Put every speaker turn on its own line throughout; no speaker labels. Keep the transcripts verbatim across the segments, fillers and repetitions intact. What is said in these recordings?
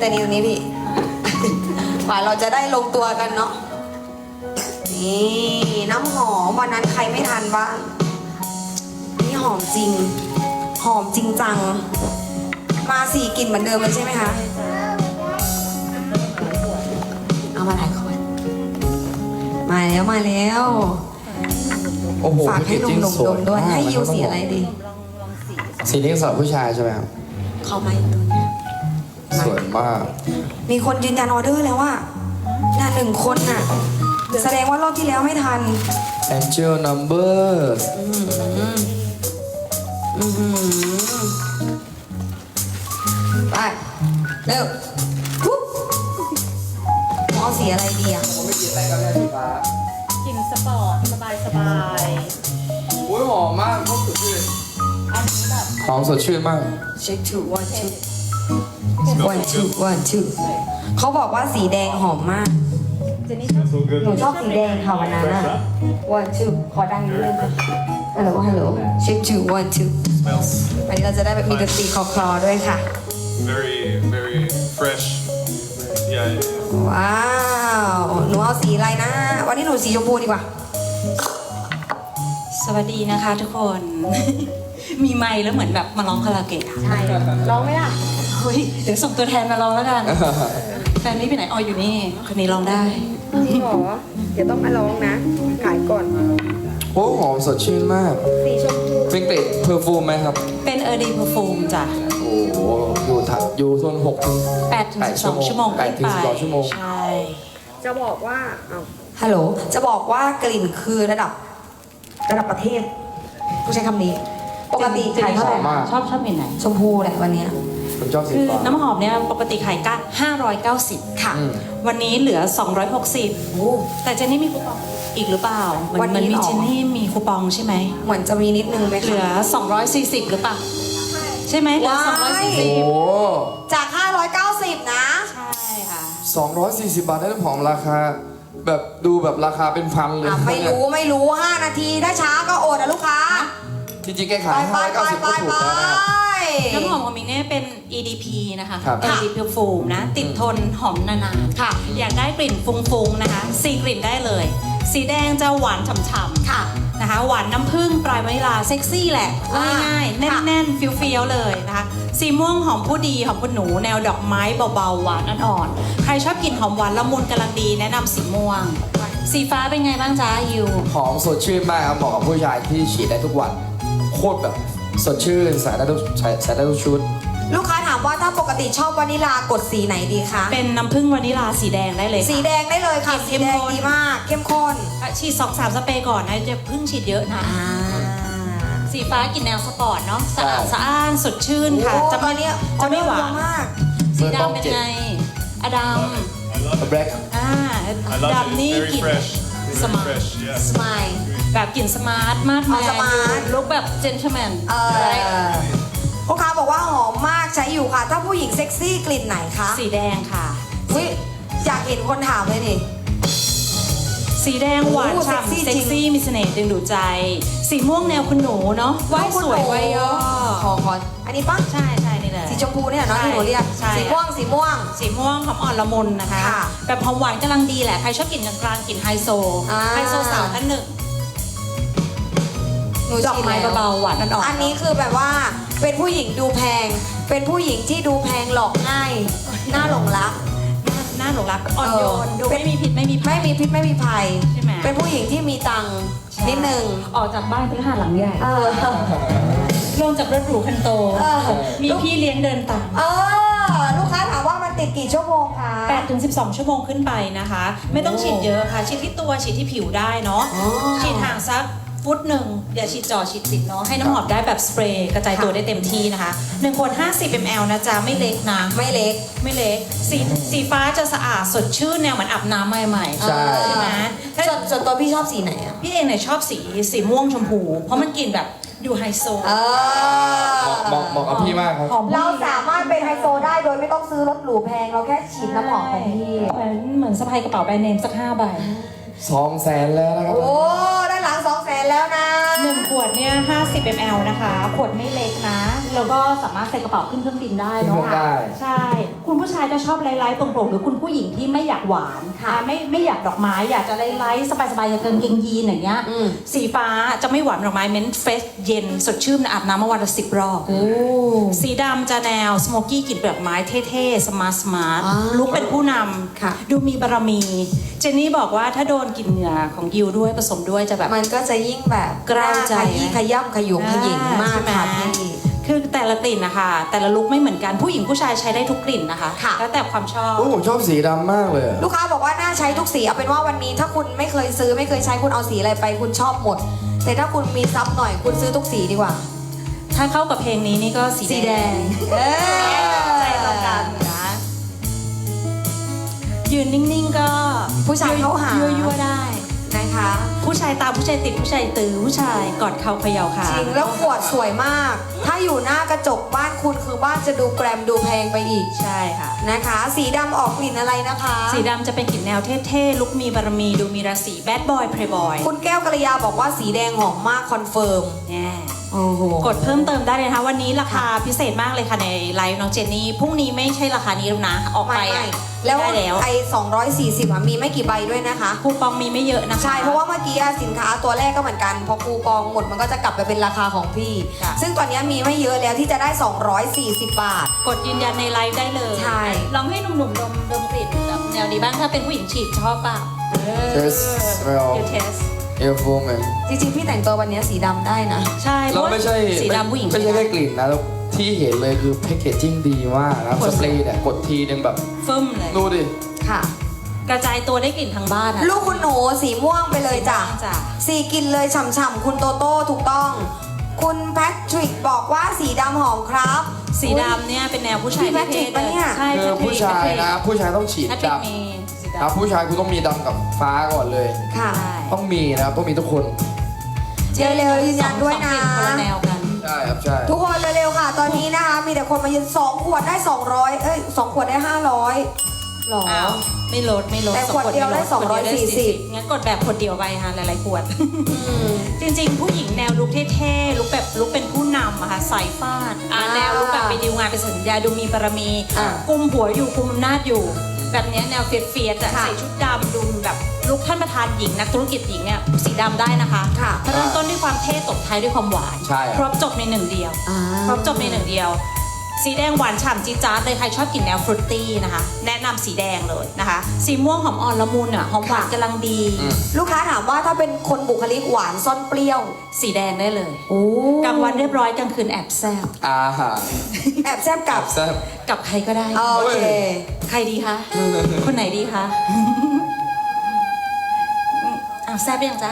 แต่นี้ตรงนี้พี่กว่าเราจะได้ลงตัวกันเนาะนี่น้ำหอมวันนั้นใครไม่ทันบ้างนี่หอมจริงหอมจริงจังมาสี่กลิ่นเหมือนเดิมเลยใช่ไหมคะเอามาหลายคนมาแล้วมาแล้ว
โอ้โห
ฝากให้หนุ่มๆดมด้วยให้ยูสีอะไรดี
สีนี้สำหรับผู้ชายใช่ไหมครับ
เขามาอยู่ตรงนี้
สวยมาก
มีคนยืนยันออเดอร์แล้วว่าน่าหนึ่งคนน่ะแสดงว่ารอบที่แล้วไม่ทัน
Angel Numbers
อือหืออือหือไปเร็วปุ๊บเอาสีอะไรดีอ่ะ
ผมไม่กินอะไรกันแม่สีฟ้าก
ลิ่นสปอร์ตสบายสบาย
โอ้ยหอมมากเขาสดชื่น
อันนี้แบบ
หอมสดชื่นมาก
เช็ค two one two one two one two เขาบอกว่าสีแดงหอมมาก
เจนนี่ชอบ
หนูชอบสีแดงค่ะวันนั้นอ่ะ one two ขอดังนิดนึงค่ะฮัลโหลฮัลโหลเช็ค two one two
Smells
วันนี้เราจะได้แบบมีดนตรีคลอๆด้วยค่ะ
very, very fresh. Yeah, yeah, yeah.
ว้าว หนูเอาสีอะไรนะ วันนี้หนูสีชมพูดีกว่า
สวัสดีนะคะทุกคน มีไมค์แล้วเหมือนแบบมาร้องคาราโอเกะอะ
ใช่ ร้องไหมล่ะ
เฮ้ยเดี๋ยวส่งตัวแทนมาร้องแล้วกัน แฟนนี่ไปไหนอ๋ออยู่นี่คนนี้ร้องได้
จริงเหรอ เดี๋ยวต้องมาร้องนะ ขายก่อน
โอ้หอมสดชื่นมาก
สีชมพู
เป็นเกรดเพอร์ฟูมไหมครับ
เป็นเออร์ดีเพอร์ฟูมจ้ะ
โอ้โหอยู่ถัดอยู่โซนหกถึง
แปดถึงสิบสองชั่วโมง
แปดถึงสิบสองชั่วโมง
ใช่
จะบอกว่าเอาฮัลโหล จะบอกว่ากลิ่นคือระดับ ระดับประเทศผู้ใช้คำนี้ ปกติขายเท่าไหร่
มาก
ชอบชอบเห็นไหน
ชมพูแหละวันเนี้ย
ผมชอบสี
คือ
ฟ้า
น้ำหอมเนี่ยปกติขายก้าห้าร้อยเก้าสิบ
ค่ะ
อืม
วันนี้เหลือสองร้อยหกสิบ
โอ้
แต่เจนนี่มีคูปองอีกหรือเปล่ามั
วันนี้
มัมี
หรอ
เจนนี่มีคูปองใช่ไหม
เหมือนจะมีนิดนึงไหม
เหลือ
คะ
สองร้อยสี่สิบหรือเปล่าใช่ไหมเหลือ
ว้าย
สองร้อยสี่
โอ้
สิบ
โห
จากห้าร้อยเก้าสิบนะ
ใช่ค่ะ
สองร้อยสี่สิบบาทได้น้ำหอมราคา แบบดูแบบราคาเป็นพันเลย
อ่ะไม่รู้ไม่รู้ห้านาที ถ้าช้าก็อดนะลูกค้า
จริงๆแก
ไป
ขาย
ไป
ห้าร้อย
ไป
เก้าสิบ
ไป
ก็ถูก
ไป
แล้วนะครับ
น้ำหอมของมิงเนี่ยเป็น อี ดี พี นะคะ
ครับ
อี ดี พี Perfume นะ ติดทนหอมนานๆ
ค่ะ
อยากได้กลิ่นฟุ้งๆนะคะสี่กลิ่นได้เลย สีแดงจะหวานฉ่ำๆ
ค่ะ
นะคะ หวานน้ำผึ้งปลายวานิลาเซ็กซี่แหละ
อ่า
ง่ายๆ
ค่ะ
แน่นๆ เฟี้ยวๆ เลยนะคะ สีม่วงหอมผู้ดีหอมผู้หนู แนวดอกไม้เบาๆ หวานอ่อนๆ ใครชอบกลิ่นหอมหวานละมุนกำลังดีแนะนำสีม่วง สีฟ้าเป็นไงบ้างจ๊ะยู
หอมสดชื่นมากครับเหมาะกับผู้ชายที่ฉีดได้ทุกวัน โคตรแบบสดชื่นใส่ได้ทุกใส่ใส่ได้ทุกชุด
ลูกค้าถามว่าถ้าปกติชอบวานิลากดสีไหนดีคะ
เป็นน้ำผึ้งวานิลาสีแดงได้เลยค่ะ
สีแดงได้เลยค่ะ
เข้
สี
ม
แดง
ข้น
ดีมาก เข้มข้น
ฉีดสองสามสเปรย์ก่อนนะจะเพิ่งฉีดเยอะนะ
อ่า
สีฟ้ากลิ่นแนวสปอร์ตเนาะสะอาด
ใช่
สะอ้านสดชื่นค่ะ
โอ้
จะ
ต
ไม่
อนเนี้ย
จะไม่หวา
ออเดอร์เยอะ
น
มาก
สีดำเป็นไงอดัม
แบล็ค
อ่า
I love
ดำ
it.
นี่
Very
กลิ่น
fresh.
ส
Very
มาร์ท
fresh. Yeah.
สมาย
แบบกลิ่นสมาร์ทมาดแม
อ๋อสมาร์ท
นลุคแบบเจน t l e m แมน
เออลูกค้าบอกว่าหอมมากใช้อยู่ค่ะ ถ้าผู้หญิงเซ็กซี่กลิ่นไหนคะ
สีแดงค่ะ
วิอยากเห็นคนถามเลยนี่
สีแดงหวาน
โอ้เซ็ก
ฉ่ำ
ซี่
เซ็
จริ
ก
ง
ซี่มีเสน่ห์ดึงดูดใจ สีม่วงแนวคุณหนูเนาะว่ายสวยว่ายย่อ
ขอขออันนี้ปะ
ใช่ใช่นี่แหละ
สีชมพูเนี่ยเนาะที่หนูเรียก
ใช่
สีม่วงสีม่วง
สีม่วงหอมอ่อนละมุนนะคะ
ค่ะ
แบบหอมหวานกำลังดีแหละ ใครชอบกลิ่นกลางๆกลิ่นไฮโซ
อ่า
ไฮโซสาวท่านหนึ่ง
หนู
ดอกไม้
ฉีแล้ว
เบาๆหวานอ่อนๆ
อันนี้คือแบบว่าเป็นผู้หญิงดูแพง เป็นผู้หญิงที่ดูแพงหลอกง่ายน่าหลงรัก
หน้าหลงรักอ่อนโยน
เออ
ดูไม่มีพิษไม่มีภั
ไม่
ย
มีพิษไม่มีภัย
ใช่ไหม
เป็นผู้หญิงที่มีตังค์นิดนึง
ออกจากบ้านเพื่อหาหลังใหญ่
เออ
ลงจากรถหรูคันโต
เออ
มีพี่เลี้ยงเดินตาม
เออ ลูกค้าถามว่ามันติดกี่ชั่วโมงคะ
แปดถึงสิบสองชั่วโมงขึ้นไปนะคะ ไม่ต้องฉีดเยอะค่ะ ฉีดที่ตัวฉีดที่ผิวได้เนาะ
อ๋อ
ฉีดห่างสักฟุตหนึ่งอย่าฉีดจ่อฉีดติดเนาะให้น้ำหอมได้แบบสเปรย์กระจายตัวได้เต็มที่นะคะหนึ่งขวดห้าสิบมิลลิลิตร นะจ๊ะไม่เล็กนะ
ไม่เล็ก
ไม่เล็กสีสีฟ้าจะสะอาดสดชื่นแนวเหมือนอาบน้ำใหม่ๆ
ใช่
ใช่ไหมถ้า
ส่วนส่วนตัวพี่ชอบสีไหนอ่ะ
พี่เองเนี่ยชอบสีสีม่วงชมพู เพราะมันกลิ่นแบบดูไฮโซ
เออ
เหมาะเหมาะกับพี่มากครับ
หอม
เราสามารถเป็นไฮโซได้โดยไม่ต้องซื้อรถหรูแพง เราแค่ฉีดน้ำหอมของพี่
เหมือนเหมือนสะพายกระเป๋าแบรนด์เนมสักห้าใบ
สองแสนแล้วนะครับ
โอ้ ด้านหลังสองแสนแล้วนะ
หนึ่งขวดเนี่ยห้าสิบมิลลิลิตร นะคะ ขวดไม่เล็กนะ แล้วก็สามารถใส่กระเป๋าขึ้นเครื่องบินได้
ขึ้นเครื่
เนาะ
องได้
ใช่คุณผู้ชายจะชอบไลท์ๆตรงๆหรือคุณผู้หญิงที่ไม่อยากหวานค่ะไม่ไม่อยากดอกไม้อยากจะไลท์ๆสบายๆอย่างกางเกงยีนอย่างเงี้ย
อืม
สีฟ้าจะไม่หวานดอกไม้เม้นเฟสเย็นสดชื่นอาบน้ำมาวันละสิบรอบ
โอ้
สีดำจะแนวสโมกี้กลิ่นเปลือกไม้เท่ๆ สมาร์ทสมาร์ท
อ่า
ลุกเป็นผู้น
ค่ะ
ำดูมีบารมี เจนนี่บอกว่าถ้าโดนกลิ่นเหงื่อของยิวด้วยผสมด้วยจะแบบ
มันก็จะยิ่งแบบ
กล้าวใจ
ขยี้ขย่ำขยุมขยิงมาก
ใช่ไห
ค่ะพี่
คือแต่ละกลิ่นนะคะแต่ละลุกไม่เหมือนกันผู้หญิงผู้ชายใช้ได้ทุกกลิ่นนะคะ
ค่ะ
แล้วแต่ความชอบ
โอ้ผมชอบสีดำมากเลยอะ
ลูกค้าบอกว่าน่าใช้ทุกสีเอาเป็นว่าวันนี้ถ้าคุณไม่เคยซื้อไม่เคยใช้คุณเอาสีอะไรไปคุณชอบหมด แต่ถ้าคุณมีซับหน่อยคุณซื้อทุกสีดีกว่า
ถ้าเข้ากับเพลงนี้นี่ก็สี
สีแดงเออ
ใจตรงกันนะยืนนิ่งๆก็
ผู้ชายเข้าหา
ยั่วๆได้
นะคะ
ผู้ชายตามผู้ชายติดผู้ชายตื้อผู้ชายกอดเข่าเขย่าขา
จริงแล้วขวดสวยมาก ถ้าอยู่หน้ากระจกบ้านคุณคือบ้านจะดูแกรมดูแพงไปอีก
ใช่ค่ะ
นะคะ สีดำออกกลิ่นอะไรนะคะ
สีดำจะเป็นกลิ่นแนวเท่ๆลุกมีบารมีดูมีราศีแบดบอยเพลย์บอย
คุณแก้วกัลยาบอกว่าสีแดงหอมมากคอนเฟิร์ม
แน่
โอ้โห
กดเพิ่มเติมได้เลยนะคะวันนี้ราคาพิเศษมากเลยค่ะในไลฟ์น้องเจนนี่พรุ่งนี้ไม่ใช่ราคานี้แล้วนะออกไป
ไม่
อะ
ไม่แล้ว
ได้แล้ว
ไอ้สองร้อยสี่สิบอ่ะมีไม่กี่ใบด้วยนะคะ
คูปองมีไม่เยอะนะคะ
ใช่ เพราะว่าเมื่อกี้อะสินค้าตัวแรกก็เหมือนกัน พอคูปองหมดมันก็จะกลับไปเป็นราคาของพี่
ค่ะ
ซึ่งตอนนี้มีไม่เยอะแล้วที่จะได้ สองร้อยสี่สิบ บาท
กดยืนยันในไลฟ์ได้เลย
ใช่
ลองให้หนุ่มๆดมดมกลิ่นแบบแนวนี้บ้างถ้าเป็นผู้หญิงฉีดชอบเปล่า
Test smell
เดี๋ยวเทส
airflow man
จริงๆ พี่แต่งตัววันนี้สีดำได้นะ
ใช่เพ
เรา
ราะว่า
ไม่ใช่
สีดำผู้หญิง
ไม่ใช่แค่กลิ่นนะแล้วที่เห็นเลยคือแพคเกจจิ้งดีมากนะสเปรย์เนี่ยกดทีนึงแบบ
ฟึ่มเลย
ดูดิ
ค่ะ
กระจายตัวได้กลิ่นทั้งบ้านอะ
ลูกคุณหนูสีม่วงไปเลยจ้ะ
จ้ะ
สีกลินเลยฉ่ำๆคุณโตโต้ถูกต้อง คุณแพทริกบอกว่าสีดำหอมครับ
สีดำเนี่ยเป็นแนวผู้ชาย
พี่แพทริก
เท่ๆ
ปะเนี่ย
ใช่
คือ
แพทริก
ผู้ชายนะ ผู้ชายต้องฉีด
แพทริก
ดำ
มีสี
ครับ
ดำ
ผู้ชายคุณต้องมีดำกับฟ้าก่อนเลย
ค่ะ
ใช่
ต้องมีนะครับต้องมีทุกคน
เร็วๆยืนยันด้วยนะ
สองกลิ่คนละแนวกัน
ใช่ครับใช่
ทุกคนเร็วๆค่ะ ตอนนี้นะคะ มีแต่คนมายืนสองขวดได้สองร้อยเอ้ยสองขวดได้ห้าร้อยหรอ
อ้าวไม่ลดไม่ลด
แต่
สอง
ขวดเดียวได้
ม่ลขวเ
สองร้อยสี่สิบ
งั้นกดแบบขวดเดียวไปค่ะหลายๆขวด
อืม
จริงๆ ผู้หญิงแนวลุคเท่ๆ ลุคแบบลุคเป็นผู้นำอะค่ะสายฟาดอ่า
อ่า
แนวลุคแบบไปดีลงานไปสัญญาดูมีบารมี
อ่า
กุมหัวอยู่กุมอำนาจอยู่ แบบเนี้ยแนวเฟียดเฟียดๆอะ
ค่ะ
ใส่ชุดดำดูแบบลุคท่านประธานหญิงนักธุรกิจหญิงเนี่ยสีดำได้นะคะ
ค่ะ
เริ่มต้นด้วยความเท่ตบท้ายด้วยความหวาน
ใช่ครับ
ครบจบในหนึ่งเดียว
อ่า
ครบจบในหนึ่งเดียว สีแดงหวานฉ่ำจี๊ดจ๊าดเลยใครชอบกลิ่นแนวฟรุตตี้นะคะ แนะนำสีแดงเลยนะคะ สีม่วงหอมอ่อนละมุนอ่ะหอมหวาน
ค่ะ
กำลังดี
อืม
ลูกค้าถามว่าถ้าเป็นคนบุคลิกหวานซ่อนเปรี้ยว
สีแดงได้เลย
โอ้
กลางวันเรียบร้อยกลางคืนแอบแซบ
อาหาร
แอบแซบกับ
แซ่บ
กับใครก็ได้
โอเค
ใครดีคะ คนไหนดีคะอืมอ้าวแซบยังจ๊ะ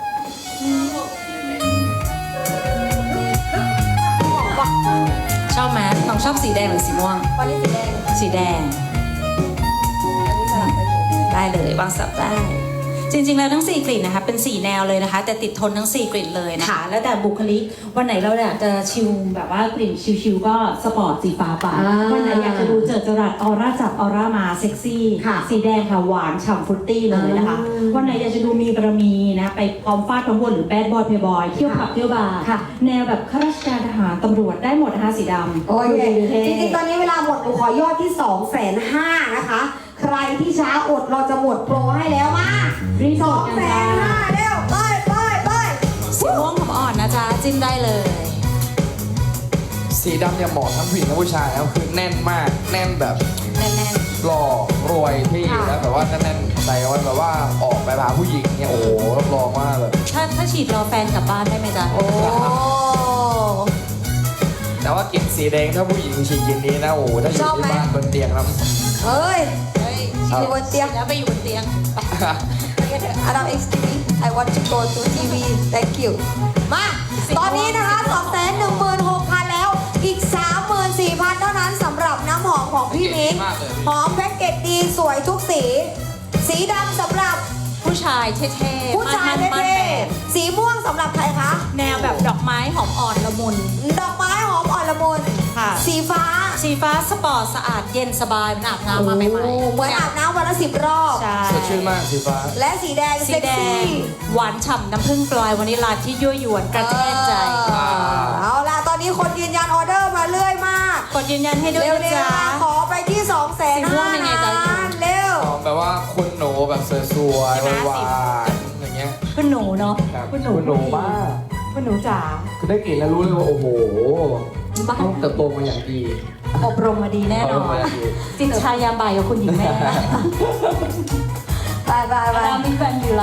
ชอบไหมน้องชอบสีแดงหรือสีม่วง
วันนี้สีแดง
สีแดง
อันนี้สลับไปอยู่
ได้เลยวางสับได้ จริงๆแล้วทั้งสี่กลิ่นนะคะเป็นสี่แนวเลยนะคะ แต่ติดทนทั้งสี่กลิ่นเลยนะคะ
ค่ะ แล้วแต่บุคลิก วันไหนเราอยากจะชิลแบบว่ากลิ่นชิลๆก็สปอร์ตสีฟ้าไป
อ่า
วันไหนอยากจะดูเจิดจรัสออร่าจับออร่ามาเซ็กซี่
ค่ะ
สีแดงค่ะหวานฉ่ำฟรุตตี้เลยนะคะ
อ่า
วันไหนอยากจะดูมีบารมีนะไปพร้อมฟาดพร้อมวนหรือแบดบอยเพย์บอยเที่ยวผับเที่ยวบาร์
ค่ะ
แนวแบบข้าราชการทหารตำรวจได้หมดนะคะสีดำ
โอเค
ดูท่
จริงๆ ตอนนี้เวลาหมดหนูขอยอดที่สองแสนห้านะคะ ใครที่ช้าอดเราจะหมดโปรให้แล้วมา
รีบ
ส
ก
อ
ด
ง
กัน
แส
จ้า
นห้าเร็วไปไปไป
สีม่วงหอมอ่อนนะจ๊ะจิ้มได้เลย
สีดำเนี่ยเหมาะทั้งผู้หญิงและผู้ชายแล้วคือแน่นมาก แน่นแบบ
แน่น
หล่อรวยที่แล้วแบบว่าแน่นๆใจเอาไว้แบบว่าออกไปพาผู้หญิงเนี่ยโอ้โหรับรองว่าแบบ
ๆถ้าถ้าฉีดรอแฟนกลับบ้านได้ไหมจ๊ะ
โอ้
แต่ว่ากลิ่นสีแดงถ้าผู้หญิงฉีดกลิ่นนี้นะโอ้โหถ้าอยู่ที่บ้านบนเตียงครับ
เฮ้ย
เฮ้ย
อยู่บนเตียง
แล้วไปอยู่บนเตียง
อดัม เอ็กซ์ ที วี I want to go to ที วี thank you มา ตอนนี้นะคะ สองแสนหนึ่งหมื่นหกพัน แล้ว อีก สามหมื่นสี่พัน เท่านั้นสำหรับน้ำหอมของพี่มิ้ง
มากเลย
หอมแพ็กเกจดีสวยทุกสี สีดำสำหรับ
ผู้ชายเท่ๆ
ผู้ชาย
มั่นๆมั่น
เท่
แมน
ๆสีม่วงสำหรับใครคะ
แนวแบบดอกไม้หอมอ่อนละมุน
ดอกไม้หอมอ่อนละมุน
ค่ะ
สีฟ้า
สีฟ้าสปอร์ตสะอาดเย็นสบายมันอาบน้ำมาใหม่
โอ้เหมือนอาบน้ำวันละสิบรอบ
ๆใช่
สดชื่นมากสีฟ้า
และสีแดง
สี
เซ็ก
แด
ซี่
งหวานฉ่ำน้ำผึ้งปลอยวานิลลาที่ยั่วยวนกระแทกใจ
เออเอาล่ะ ตอนนี้คนยืนยันออเดอร์มาเรื่อยมาก
กดยืนยันให้ด้วย
เร็ว
นะ
ๆ
จ๊ะ
นะขอไปที่สองแสน
สีม่วงเป็นไงจ๊ะ
เร็ว
หอมแบบว่าคุณหนูแบบสวยๆหวานๆอย่างเงี้ย
คุณหนูเนาะ
ครับ
คุณหนู
คุณหนูมาก
คุณหนูจ๋า
คือได้กลิ่นแล้วรู้เลยว่าโอ้โห
บ้าน
ต้องเติบโตมาอย่างดี
อบรมมาดีแน่นอ
อบรม
น
มาอย่างดี
จิตชายามบ่ายกับคุณหญิงแม่
ไปไปไป
ดามิแฟนอยู่ไร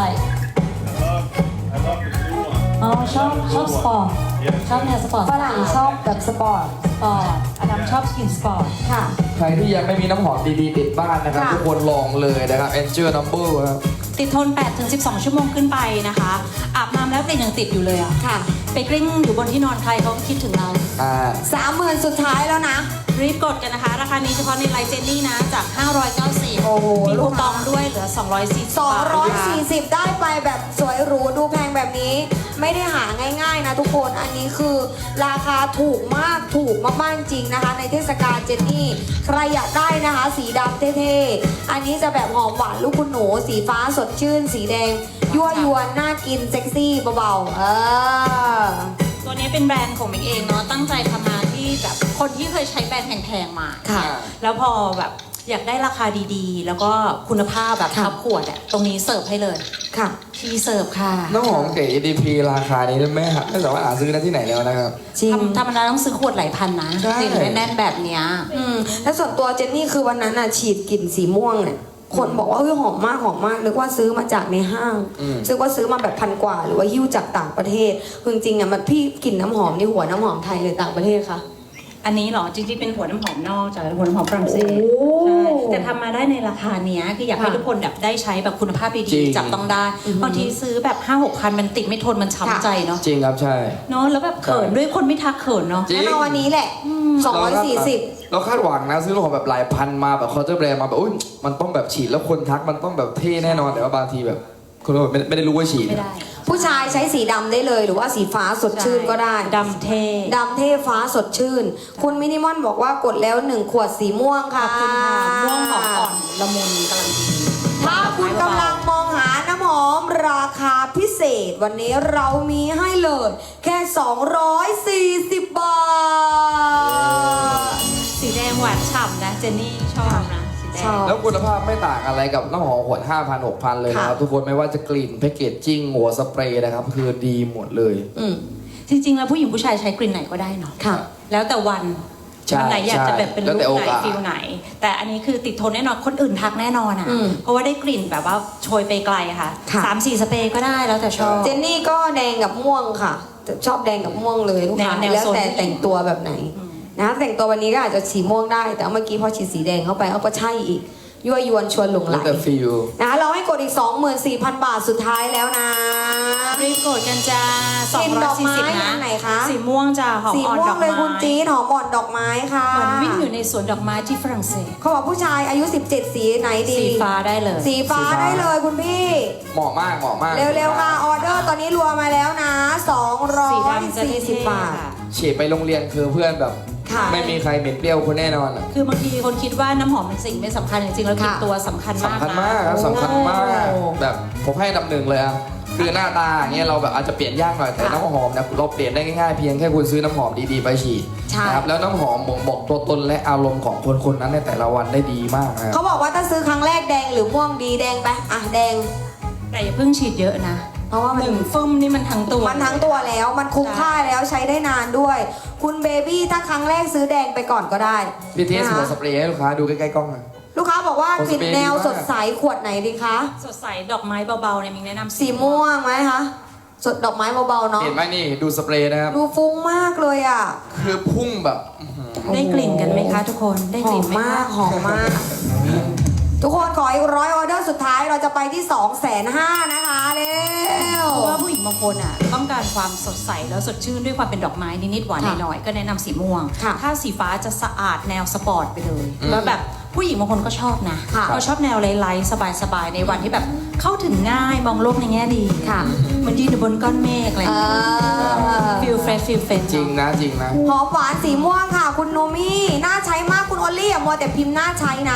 I love, I love the blue one.
อ๋อชอบชอบสปอร์ต
Yes.
ชอบแนวสปอร์ต
ฝรั่งชอบแบบสปอร์ต
สปอร์ตอดัมชอบสกินสปอร์ต
ค่ะ
ใครที่ยังไม่มีน้ำหอมดีๆติดบ้านนะครับ
ค่ะ
ทุกคนลองเลยนะครับ Angel Number ครับ
ติดทนแปดถึงสิบสอง ชั่วโมงขึ้นไปนะคะ อาบน้ำแล้วกลิ่นยังติดอยู่เลยอะ
ค่ะ
ไปกลิ้งอยู่บนที่นอนใครเขาก็คิดถึงเรา
อ่า
สามหมื่นสุดท้ายแล้วนะ
รีบกดกันนะคะ ราคานี้เฉพาะในไลน์เจนนี่นะ จาก ห้าร้อยเก้าสิบ
โอ้โห
มี
ลู
คู
ก
ป
ค้า
องด้วยเหลือ สองร้อยสี่สิบบาทนะคะ
สองร้อยสี่สิบ ได้ไปแบบสวยหรูดูแพงแบบนี้ ไม่ได้หาง่ายๆนะทุกคน อันนี้คือราคาถูกมากถูกมากๆจริงนะคะ ในเทศกาลเจนนี่ ใครอยากได้นะคะ สีดำเท่ๆ อันนี้จะแบบหอมหวานลูกคุณหนู สีฟ้าสดชื่น สีแดง ยั่วยวนน่ากินเซ็กซี่เบาๆ เออ
ตัวนี้เป็นแบรนด์ของมิงเองเนาะ ตั้งใจทำมาที่แบบคนที่เคยใช้แบรนด์แพงๆมา
ค่ะ
แล้วพอแบบอยากได้ราคาดีๆ แล้วก็คุณภาพแบบ
ค่ะ
ทับขวดอะตรงนี้เสิร์ฟให้เลย
ค่ะ
ชีเสิร์ฟค่ะ
น้ำหอมเก๋ อี ดี พี ราคานี้ไม่หาไม่สามารถหาซื้อได้ที่ไหนแล้วนะครับ
จริง
ทำธรรมดาต้องซื้อขวดหลายพันนะ
ใช่
กลิ่นแน่นๆแบบเนี้ย
อืมแล้วส่วนตัวเจนนี่คือวันนั้นน่ะฉีดกลิ่นสีม่วงเนี่ยคนบอกว่าเฮ้ยหอมมากหอมมากนึกว่าซื้อมาจากในห้าง
อืม
ซึ่งว่าซื้อมาแบบพันกว่า หรือว่าหิ้วจากต่างประเทศคือจริงๆอ่ะมันพี่กลิ่นน้ำหอมนี่หัวน้ำหอมไทยหรือต่างประเทศคะ
อันนี้เหรอจริงๆเป็นหัวน้ำหอมนอกจากหัวน้ำหอมฝรั่งเศส
โอ้
ใช่แต่ทำมาได้ในราคาเนี้ยคืออยากให้
ค่ะ
ทุกคนแบบได้ใช้แบบคุณภาพ
จริ
ดี
ง
ๆจับต้องได้บางทีซื้อแบบห้าหกพันมันติดไม่ทนมันช้ำใจเนาะ
จริงครับใช่
เนาะแล้วแบบเขินด้วยคนไม่ทักเขินเนาะ
จริง
งั้นเอาวันนี้แหละสองร้อยสี่สิบ
เราคาดหวังนะซื้อของแบบหลายพันมาแบบคอร์เตอร์แบรนด์มาแบบอุ้ยมันต้องแบบฉีดแล้วคนทักมันต้องแบบเท่แน่นอนแต่ว่าบางทีแบบคนแบบไม่ไม่ได้รู้ว่าฉีด
ไม่ได้
ผู้ชายใช้สีดำได้เลย หรือว่าสีฟ้าสดชื่นก็ได้
ดำเท่
ดำเท่ฟ้าสดชื่น คุณมินิมอนบอกว่ากดแล้วหนึ่งขวดสีม่วง
ข
ค่ะ
อบคุณค่ะม่วงหอมอ่อนละมุนกำลังดี
ถ้าคุณกำลังมองหาน้ำหอมราคาพิเศษ วันนี้เรามีให้เลย แค่ สองร้อยสี่สิบบาท
สีแดงหวานฉ่ำนะเจนนี่ชอบนะสีแด
ชอง บ
แล้วคุณภาพไม่ต่างอะไรกับน้ำหอมขวด ห้าพัน หกพัน เลยนะครับ
ค่ะ
ทุกคนไม่ว่าจะกลิ่นแพคเกจจิ้งหัวสเปรย์นะครับคือดีหมดเลย
อืม
จริงๆแล้วผู้หญิงผู้ชายใช้กลิ่นไหนก็ได้เนาะ
ค่ะ
แล้วแต่วัน
ใช่
วันไหนอยากจะแบบเป็น
แล้
ลุ
วแต่
ค
โอ
ไหน
กาส
ฟิลไหน แต่อันนี้คือติดทนแน่นอนคนอื่นทักแน่นอนอ่ะ
อืม
เพราะว่าได้กลิ่นแบบว่าโชยไปไกลอะค่ะ
ค่ะ
สามสี่สเปรย์ก็ได้แล้วแต่ชอบ
เจนนี่ก็แดงกับม่วงค่ะแต่ชอบแดงกับม่วงเลยลูกค้า
แนวแนว
แล้ว
โซน
แต่แต่งตัวแบบไหนนะแต่งตัววันนี้ก็อาจจะสีม่วงได้ แต่เมื่อกี้พอฉีดสีแดงเข้าไปเขาก็ใช่อีกยั่วยวนชวนหลงไหล
แล้วแต่ฟิล
นะคะเราให้กดอีก สองหมื่นสี่พัน บาทสุดท้ายแล้วนะ
รีบกดกันจ้า
กลิ่นดอกไม้
สองร้อยสี่สิบนะ
อันไหนคะ
สีม่วงจ้าหอม
สี
อ่อน
ม่ว
ด
ง
อก
เลย
ไม้
คุณจี๊ดหอมอ่อนดอกไม้ค่ะ
เหมือนวิ่งอยู่ในสวนดอกไม้ที่ฝรั่งเศส
เขาบอกผู้ชายอายุ สิบเจ็ด สีไหนดี
สีฟ้าได้เลย
สีฟ้าได้เลยคุณพี่
เหมาะมากเหมาะมาก
เร็วๆค่ะออเดอร์ตอนนี้รวมมาแล้วนะ
สีดำจะเท่
สองร้อยสี่สิบ
ๆ
บาท
ค่ะ
ฉีดไปโรงเรียนคือเพื่อนแบบ
ค่ะ
ไม่มีใครเหม็นเปรี้ยวคนแน่นอนอะ
คือบางทีคนคิดว่าน้ำหอมเป็นสิ่งไม่สำคัญจริงๆแล้วกลิ่น
ค่ะ
ตัวสำคัญมาก
สำคัญ
นะ
มากครับสำคัญมาก
โอ้
แบบผมให้อันดับหนึ่งเลยอะคือหน้าตาอย่างเงี้ยเราแบบอาจจะเปลี่ยนยากหน่อยแต่
ค่ะ
น้ำหอมเนี่ยเราเปลี่ยนได้ง่ายๆเพียงแค่คุณซื้อน้ำหอมดีๆไปฉีด
ใช่
นะครับแล้วน้ำหอมบ่งบอกตัวตนและอารมณ์ของคนคนนั้นในแต่ละวันได้ดีมากนะครับ
เขาบอกว่าถ้าซื้อครั้งแรกแดงหรือม่วงดีแดงไปอ่ะแดง
แต่อย่าเพิ่งฉีดเยอะนะ
เพราะว่า
ห
มัน
นึ่งฟึ่มนี่มันทั้งตัว
มันทั้งตัวแล้วมันคุ้มค่าแล้วใช้ได้นานด้วย คุณเบบี้ถ้าครั้งแรกซื้อแดงไปก่อนก็ได้
พี่เทส
นะ
หัว
คะ
สเปรย์ให้ลูกค้าดูใกล้ๆกล้องหน่อย
ลูกค้าบอกว่ากลิ่นแนว
โอ้สเปรย์ดีมาก
สดใสขวดไหนดีคะ
สดใสดอกไม้เบาๆเนี่ยมิงแนะนำ
สีม่วงไหมคะสดดอกไม้เบาๆเนาะ
เห็นไหมนี่ดูสเปรย์นะครับ
ดูฟุ้งมากเลยอ่ะ
คือพุ่งแบบอื้อหือ
ได้กลิ่นกันไหมคะทุกคนได้
ห
ก
อ
ลิ่น
ม
ไหม
มาก
คะ
หอมมาก ทุกคนขออีกร้อยออเดอร์สุดท้ายเราจะไปที่2องแสนห้านะคะเร็ว
เพราะว่าผู้หญิงบางคนอ่ะต้องการความสดใสแล้วสดชื่นด้วยความเป็นดอกไม้นิดๆหวาน
ค่ะ
หน่อยๆก็แนะนำสีม่วง
ค่ะ
ถ้าสีฟ้าจะสะอาดแนวสปอร์ตไปเลยแล้วแบบผู้หญิงบางคนก็ชอบนะ
ค่ะ
เขาชอบแนวไลท์ๆสบายๆในวันที่แบบเข้าถึงง่ายมองโลกในแง่ดี
ค่ะ
เหมือนยืนอยู่บนก้อนเมฆอะไรอ
เอย่าง
เงี้ย
อ
ฟิลเฟรชฟิลเฟรช
จริงนะจริงนะ
หอมหวานสีม่วงค่ะ คุณโนมี่น่าใช้มากคุณออลลี่อย่ามัวแต่พิมพ์น่าใช้นะ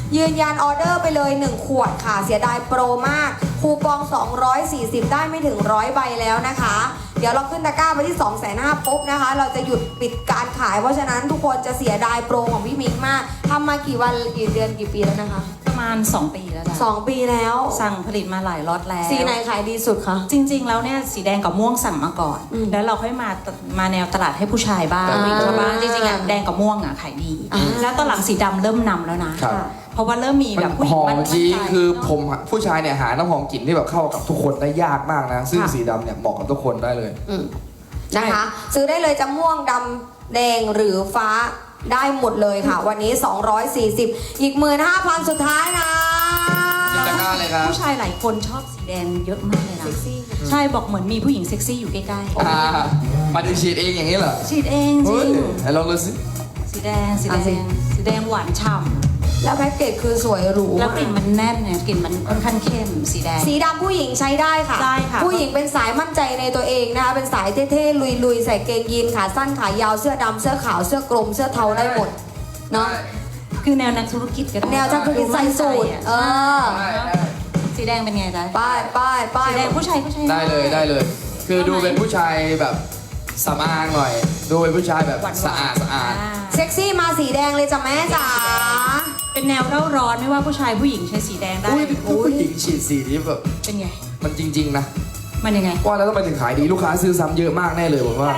ยืนยันออเดอร์ไปเลยหนึ่งขวดค่ะเสียดายโปรมากคูปองสองร้อยสี่สิบได้ไม่ถึงร้อยใบแล้วนะคะ เดี๋ยวเราขึ้นตะกร้าไปที่ สองแสนห้าหมื่น ปุ๊บนะคะ เราจะหยุดปิดการขายเพราะฉะนั้นทุกคนจะเสียดายโปรของพี่มิกมากทำมากี่วันกี่เดือนกี่ปีแล้วนะคะ
ประมาณ สอง ปีแล้วจ้ะ
สองปีแล้ว
สั่งผลิตมาหลายล็อตแล้ว
สีไหนขายดีสุดคะ
จริง ๆ แล้วเนี่ยสีแดงกับม่วงสั่งมาก่อน
อืม
แล้วเราค่อยมามาแนวตลาดให้ผู้ชายบ้าง
อ่า
ผู้ชายบ้างจริงๆอะแดงกับม่วงอ่ะขายดี
อ่า
แล้วตอนหลังสีดำเริ่มนำแล้วนะ
ครับ
เพราะว่าเริ่มมี
มั
แบ
น
บผู้ห
ห
ญิง
อม
มั่น
จริง
ใจ
คือ
เนอะ
ผมผู้ชายเนี่ยหาน้ำหอมกลิ่นที่แบบเข้ากับทุกคนได้ยากมากนะ ซึ่ง
ค่ะ
สีดำเนี่ยเหมาะกับทุกคนได้เลย
อืมนะคะ ซื้อได้เลยจะม่วงดำแดงหรือฟ้าได้หมดเลยค่ะ วันนี้ สองร้อยสี่สิบ อีก หนึ่งหมื่นห้าพัน สุดท้ายนะ
จินตนาการเลยครับ
ผู้ชายหลายคนชอบสีแดงเยอะมากเลยนะ
เซ็กซี่
ใช่บอกเหมือนมีผู้หญิงเซ็กซี่อยู่ใกล้
อ่ามาดูฉีดเองอย่างนี้เหรอ
ๆฉีดเองจ
เฮ้
ริ
ย
ง
ให้ลองดูสิ
สีแดงสี
อ่ะ
แด
สิ
งสีแดงหวานฉ่
แล้วแพ็กเกจคือสวยหรู
ำแล้วกลิ่นมันแน่นเนี่ยกลิ่นมันค่อนข้างเข้มสีแดง
สีดำผู้หญิงใช้ได้ค่ะ
ได้ค่ะ
ผู้หญิงเป็นสายมั่นใจในตัวเองนะคะ เป็นสายเท่ๆ ลุยๆ ใส่เกงยีนขาสั้นขายาวเสื้อดำเสื้อขาวเสื้อกลมเสื้อเทาได้หมด เนาะ
คือแนวนักธุรกิจก็ได้
แนวจักรกิจใส่สูทเออ
ได้ได้
สีแดงเป็นไงจ๊ะ
ป้ายป้ายป้าย
สีแดงผู้ชายก็ใช้
ได้เลยได้เลย คือดูเป็นผู้ชายแบบสำอางหน่อย ดูเป็นผู้ชายแบบ
หวานๆ
สะอาดสะอาด
เซ็กซี่มาสีแดงเลยจ้ะแม่จ๋า
เป็นแนวเร่าร้อนไม่ว่าผู้ชายผู้หญิงใช้สีแดงได้
อุ้ยผู้หญิงฉีดสีนี้แบบ
เป็นไง
มันจริง ๆ นะ
มันยังไง
ว่าแล้วต้องไปถึงขายดีลูกค้าซื้อซ้ำเยอะมากแน่เลยผมว่า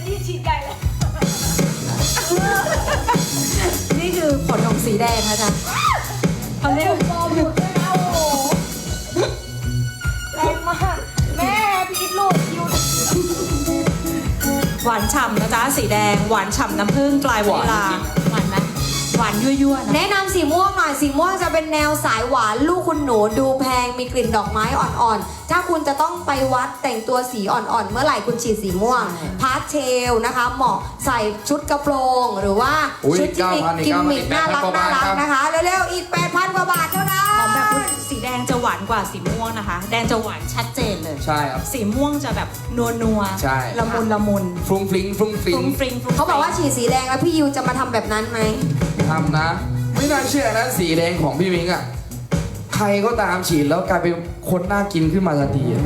นี่คือผลของสีแดงนะจ๊ะเขาเรียก
แรงมากแม่พีทลูกยู
หวานฉ่ำนะจ๊ะสีแดงหวานฉ่ำน้ำผึ้งปลายวานิลาหวานไหมหวานยั่วๆนะ
แนะนำสีม่วงหน่อยสีม่วงจะเป็นแนวสายหวานลูกคุณหนูดูแพงมีกลิ่นดอกไม้อ่อนๆ ถ้าคุณจะต้องไปวัดแต่งตัวสีอ่อนๆ เมื่อไหร่คุณฉีดสีม่วง
ใช่
พาสเทลนะคะ เหมาะใส่ชุดกระโปรง หรือว่า
อุ๊ย
ชุดที่มี
เก้าพันอีก
กิมมิค
เก้า
น่า
พัน
รัก
กว่า
น่า
บาท
รัก
ครับ
นะคะ เร็วๆ อีก แปดพัน กว่าบาทเท่านั้น
ของแบบสีแดงจะหวานกว่าสีม่วงนะคะ แดงจะหวานชัดเจนเลย
ใช่ครับ
สีม่วงจะแบบนัวนัวๆ
ใช่
ละมุนละมุน
ฟรุ้งฟริ้งฟรุ้งฟ
ฟ
ริ้
รุ้
ง
งฟริ้งฟรุ้ง
เขาบอกว่าฉีดสีแดงแล้วพี่ยูจะมาทำแบบนั้นไหม
ทำนะ ไม่น่าเชื่อนะสีแดงของพี่มิงอ่ะ ใครก็ตามฉีดแล้วกลายเป็นคนน่ากินขึ้นมาทันทีอะ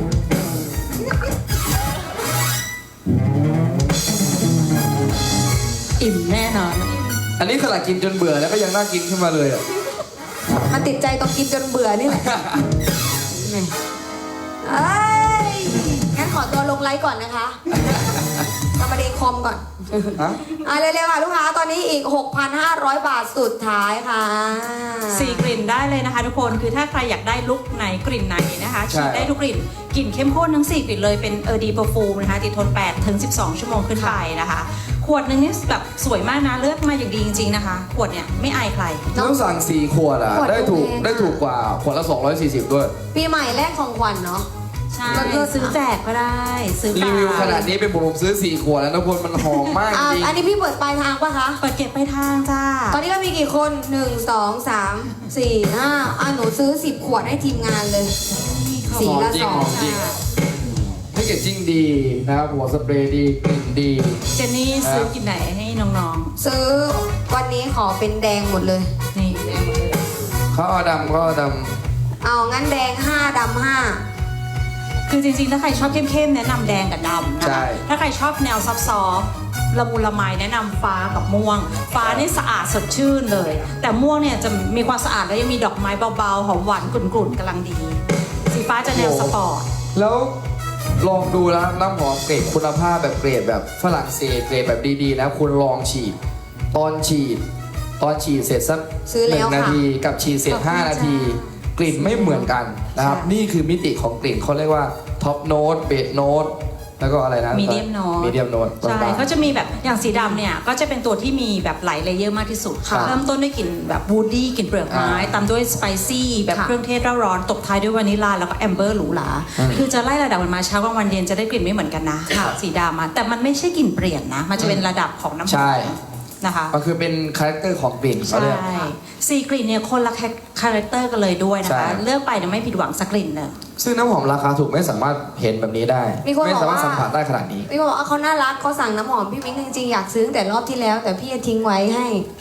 อิ่มแน่นอน
อันนี้ขนาดกินจนเบื่อแล้วก็ยังน่ากินขึ้นมาเลยอ่ะ
มันติดใจตรงกินจนเบื่อนี่แหละแหม่เอ้ย งั้นขอตัวลงไลฟ์ก่อนนะคะทำมาเดคอมก่อน
ฮะ
อ่ะเร็วๆค่ะลูกค้า ตอนนี้อีก หกพันห้าร้อย บาทสุดท้ายค่ะ
สี่กลิ่นได้เลยนะคะทุกคน คือถ้าใครอยากได้ลุคไหนกลิ่นไหนนะคะ
ใช่
ฉีดได้ทุกกลิ่น กลิ่นเข้มข้นทั้งสี่กลิ่นเลย เป็นเออดีเปอร์ฟูมนะคะ ติดทนแปดถึงสิบสองชั่วโมงขึ้นไปนะคะ ขวดหนึงนี่แบบสวยมากนะ เลือกมาอย่างดีจริงๆนะคะ ขวดเนี่ยไม่อายใคร
ต้องสั่งสี่ขวดอ่ะ
ขวด
ได้ถูก
แพงอะ
ได้ถูกกว่าขวดละสองร้อยสี่สิบด้วย
ปีใหม่แรกของขวัญเนาะ
ใช่
ก็คือ
ซื้อแจกก็ได้ ซื้อเป
รี
ล่า
วิวขนาดนี้เป็นผมผมซื้อสี่ขวดแล้วนะพลมันหอมมาก
อ่ะ
จริง
อันนี้พี่เปิดปลายทางปะคะ
เปิดเก็บไปทางจ้า
ตอนนี้เรามีกี่คน หนึ่ง สอง สาม สี่ ห้า อ่ะหนูซื้อสิบขวดให้ทีมงานเลย สี
หอม
ละ
จริ
ส
ง
อง
หอมจริงแพคเกจจิ้งดีนะครับหัวสเปรย์ดีกลิ่นดี
เจนนี่ซื้อกลิ่นไหนให้น้อง
ซื้อวันนี้ขอเป็นแดงหมดเลย
ๆ นี่
เขาเอาดำเขาเอาด
เอางั้นแดงห้าดำห้า
คือจริงๆ ถ้าใครชอบเข้มๆ แนะนำแดงกับดำนะคะ ถ้าใครชอบแนวซอฟต์ๆละมุนละไมแนะนำฟ้ากับม่วง ฟ้านี่สะอาดสดชื่นเลย แต่ม่วงเนี่ยจะมีความสะอาดแล้วยังมีดอกไม้เบาๆ หอมหวานกลุ่นๆกำลังดี สีฟ้าจะแนวสปอร์ต
ำแล้วลองดูแล้วน้ำหอมเกรดคุณภาพแบบเกรดแบบฝรั่งเศสเกรดแบบดีๆนะคุณลองฉีด ตอนฉีด ตอนฉีดเสร็จสัก
ซื้อ
ห
แล้
นึ่
ว
งนา
ค่ะ
ทีกับฉีดเสร็จ
ขอบคุณ
ห้านาที
จ้
กลิ่นไม่เหมือนกันนะครับ
ใช่
นี่คือมิติของกลิ่นเขาเรียกว่าท็อปโน้ตเบสโน้ตแล้วก็อะไรนะ
Medium note
มีเดียมโน้ต
ใช่เขาจะมีแบบอย่างสีดำเนี่ยก็จะเป็นตัวที่มีแบบหลายเลเยอร์มากที่สุด
ค่ะ
เริ่มต้นด้วยกลิ่นแบบวูดดี้กลิ่นเปลือกไม้
อ่า
ตามด้วยสไปซี่แบบ
ค่ะ
เครื่องเทศเร่าร้อนตบท้ายด้วยวานิลลาแล้วก็แอมเบอร์หรูหรา
อืม
คือจะไล่ระดับมันมาเช้ากลางวันเย็นจะได้กลิ่นไม่เหมือนกันนะ
ค่ะ
สีดำอะแต่มันไม่ใช่กลิ่นเปลี่ยนนะ มันจะเป็นระดับของน้ำห
ใช่
อมนะคะ
มันคือเป็นคาแรคเตอร์ของกลิ่นเขา
ใช่
เรียก
สี่กลิ่นเนี่ยคนละคาแรคเตอร์กันเลยด้วยนะ
ใช่
คะเลือกไปเนี่ยไม่ผิดหวังสักกลิ่นเลย
ซึ่งน้ำหอมราคาถูกไม่สามารถเห็นแบบนี้ได้
มีคน
ไม่
บอก
สามารถ
ว่า
สัมผัสได้ขนาดนี้
พี่บอกว่าเขาน่ารักเขาสั่งน้ำหอมพี่มิ้งจริงๆอยากซื้อตั้งแต่รอบที่แล้ว แต่พี่จะทิ้งไว้ให้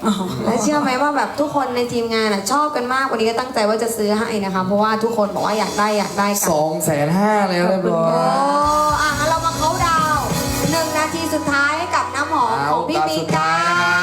และเชื่อไหมว่าแบบทุกคนในทีมงานอะชอบกันมากวันนี้ก็ตั้งใจว่าจะซื้อให้นะคะ เพราะว่าทุกคนบอกว่าอยากได้อยากได้กัน
สองแสนห้าเลยเรียบร้อ
โอ้
ย
อ่ะงั้นเรามาเขาน์ดาวน์หนึ่งนาทีสุดท้ายให้กับน้ำหอมของพี่
เอา
มี
สุด
กั
ท้ายนะครับ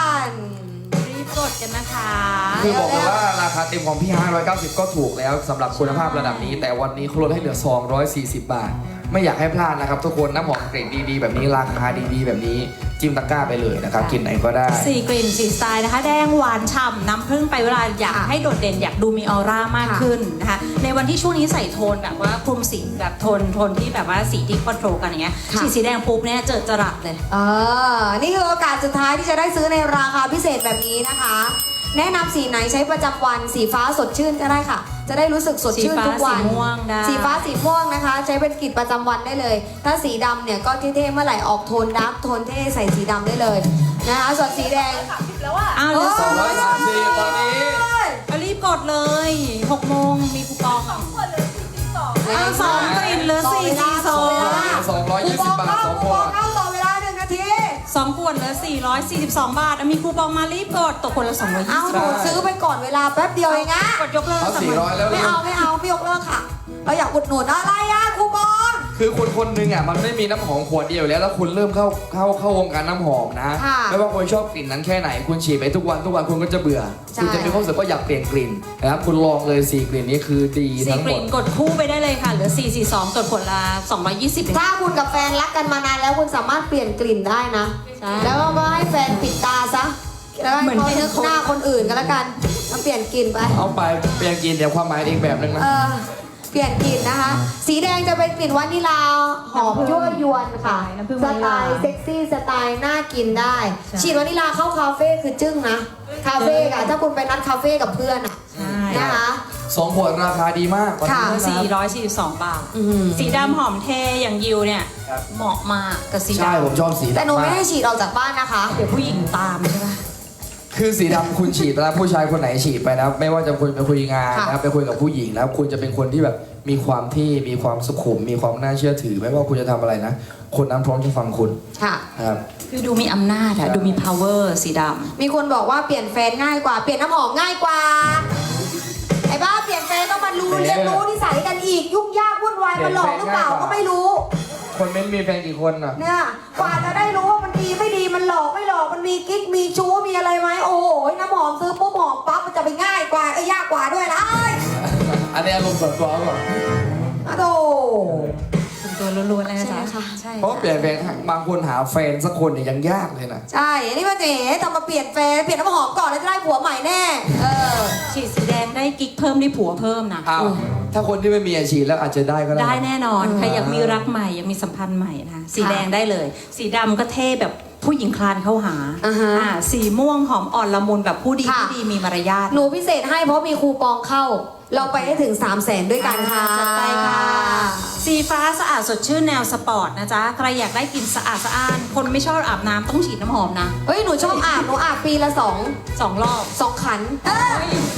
น
รีบกดกันนะคะ
คือบอกเลยว่าราคาเต็มของพี่ห้าร้อยเก้าสิบก็ถูกแล้วสำหรับคุณภาพระดับนี้ แต่วันนี้เขาลดให้เหลือสองร้อยสี่สิบบาท ไม่อยากให้พลาดนะครับทุกคนน้ำหอมเกรดดีๆแบบนี้ราคาดีๆแบบนี้จิ้มตะกร้าไปเลยนะครับกินไหนก็ได้
สี่กลิ่นสี่สไตล์นะคะ แดงหวานฉ่ำน้ำผึ้งไปเวลาอยากให้โดดเด่นอยากดูมีออร่ามากขึ้นนะคะในวันที่ช่วงนี้ใส่โทนแบบว่าคลุมสีแบบโทนโทนที่แบบว่าสีที่คอนโทรลกันอย่างเงี้ย
ค่ะ
ฉีดสีแดงปุ๊บเนี่ยเจอจรัสเลย
เออนี่คือโอกาสสุดท้ายที่จะได้ซื้อในราคาพิเศษแบบนี้นะคะ แนะนำสีไหนใช้ประจำวันสีฟ้าสดชื่นก็ได้ค่ะ จะได้รู้สึกสดชื่นทุกวัน
สีฟ้าสีม่วงได้
สีฟ้าสีม่วงนะคะ ใช้เป็นกลิ่นประจำวันได้เลย ถ้าสีดำเนี่ยก็เท่ๆเมื่อไหร่ออกโทนดาร์กโทนเท่ใส่สีดำได้เลยนะคะส่วนสีแดง
อ้าวเหลือ
สองร้อยสามสิบตอนนี้
ก็รีบกดเลยหกโมงมีคูปองอ่ะอ้าวสองกลิ่นเหลือสี่สี่สอง
สองร้อยยี่สิบบาทสองขวด
เข้าต่อเวลาหนึ่งนาที
สองขวดเหลือสี่ร้อยสี่สิบสองบาทอ่ะมีคูปองมารีบกดตกคนละสองร้อยยี่
เอา
สิบ
หนูซื้อไปก่อนเวลาแป๊บเดียวเองอะ
กดยกเลิก
เอาสี่ร้อยแล้ว
ไม่เอาไม่เอาไม่ยกเลิกค่ะ เราอยากอุดหนุนอะไรอะคูปอง
คือคนคนหนึ่งอ่ะมันไม่มีน้ำหอมขวดเดียวแล้วแล้วคุณเริ่มเข้าเข้าเข้าวงการน้ำหอมนะ
ค่ะ
ไม่ว่าคุณชอบกลิ่นนั้นแค่ไหนคุณฉีดไปทุกวันทุกวันคุณก็จะเบื่อ
ใช่
คุณจะมีความรู้สึกว่าอยากเปลี่ยนกลิ่นนะครับคุณลองเลยสี่กลิ่นนี้คือดี
สี่
ทั้ง
ก
หม
ลิ่
ด
นกดคู่ไปได้เลยค่ะเหลือสี่สี่สองกดขวดละสองร้อยยี่สิบ
ถ้าคุณกับแฟนรักกันมานานแล้วคุณสามารถเปลี่ยนกลิ่นได้นะ
ใช่
แล้วก็ให้แฟนปิดตาซะ แล้วให้
เหมือน
เขา
เป็น
นึกหน้าคนอื่นก็แล้วกันมาเปลี่ยนกลิ่นไป
เอาไปเปลี่ยนกลิ่นเดี๋ยวความหมายอีกแบบหนึงนะ
เออ เปลี่ยนกลิ่นนะคะ สีแดงจะเป็นกลิ่นวานิลาหอมยั่วยวนค่ะ
น้ำผึ้ง
ส
วานิ
ไต
ลา
ล์เซ็กซี่สไตล์น่ากินได้ ฉีดวานิลาเข้าคาเฟ่คือจึ้งนะ คาเฟ่อะถ้าคุณไปนัดคาเฟ่กับเพื่อนอะ
ใช่
นะคะ
สองขวดราคาดีมากวันนี้
ค่ะ
นะ
สี่ร้อยสี่สิบสองบาท
อืม
สีดำหอมเทอย่างยิวเนี่ย
ครับ
เหมาะมากกับสี
ใช่ผม
ดำ
ชอบสี
แต่หนู
ดำ
ไม่
มาก
ให้ฉีดออกจากบ้านนะคะ
เดี๋ยวผู้หญิงตามใช่ปะ
คือสีดำคุณฉีดแล้วผู้ชายคนไหนฉีดไปนะไม่ว่าจะคุณไปคุยงาน
ค่ะ
นะครับไปคุยกับผู้หญิงแล้วคุณจะเป็นคนที่แบบมีความที่มีความสุขุม มีความน่าเชื่อถือ ไม่ว่าคุณจะทำอะไรนะ คนนั้นพร้อมจะฟังคุณ
ค่ะ
นะครับ
คือดูมีอำนาจอะดูมี power สีด
มีคนบอกว่าเปลี่ยนแฟนง่ายกว่า เปลี่ยนน้ำหอมง่ายกว่า ไอ้บ้าเปลี่ยนแฟนต้องมารู้
เปลี่
เรี
ย
ย
น
นรู้นิสัยกันอีก ยุ่งยากวุ่นวาย
เปลี่
มัน
ยน
หลอกหรือเปล่า
แฟนง่ายกว่า
ก็ไม่รู้
คนเม้นมีแฟนกี่คนอ่ะ
เนี่ย กว่าจะได้รู้ว่ามันดีไม่ดี มันหลอกไม่หลอก มันมีกิ๊ก มีชู้ มีอะไรไหมโอ้โห น้ำหอมซื้อปุ๊บหอมปั๊บมันจะไปง่ายกว่า เอ้ยยากกว่าด้วยนะเอ้ย
อันนี้อารมณ์ส่วนตัวก่อน
อะโธ่
ำเป็นตัวล้วนๆเลยนะ
ใช่
จ๊ะ
ค่ะ
ใช่
เพราะเปลี่ยนแฟนบางคนหาแฟนสักคนเนี่ยยังยากเลยนะ
ใช่ อันนี้มันเจ๋ทำมาเปลี่ยนแฟน เปลี่ยนน้ำหอมก่อนแล้วจะได้ผัวใหม่แน่ เออ
ฉีดสีแดงได้กิ๊กเพิ่มได้ผัวเพิ่มนะ
อ้าวถ้าคนที่ไม่มีอาชีพแล้วอาจจะได้ก็ได้
ได้แน่นอน
อืม
ใครอยากมีรักใหม่อยากมีสัมพันธ์ใหม่นะสีแดงได้เลย สีดำก็เท่แบบผู้หญิงคลานเข้าหา
อ่าฮะ
อ่าสีม่วงหอมอ่อนละมุนแบบผู้ดี
ค่ะ
ผู้ดีมีมารยาท
หนูพิเศษให้เพราะมีคูปองเข้า เราไปได้ถึง สามแสนด้วยกันค่ะ
จัดไปค่ะ สีฟ้าสะอาดสดชื่นแนวสปอร์ตนะจ๊ะ ใครอยากได้กลิ่นสะอาดสะอ้าน คนไม่ชอบอาบน้ำต้องฉีดน้ำหอมนะ
เฮ้ย หนูชอบอาบ หนูอาบปีละสอง
สองรอบ
สองขันเออ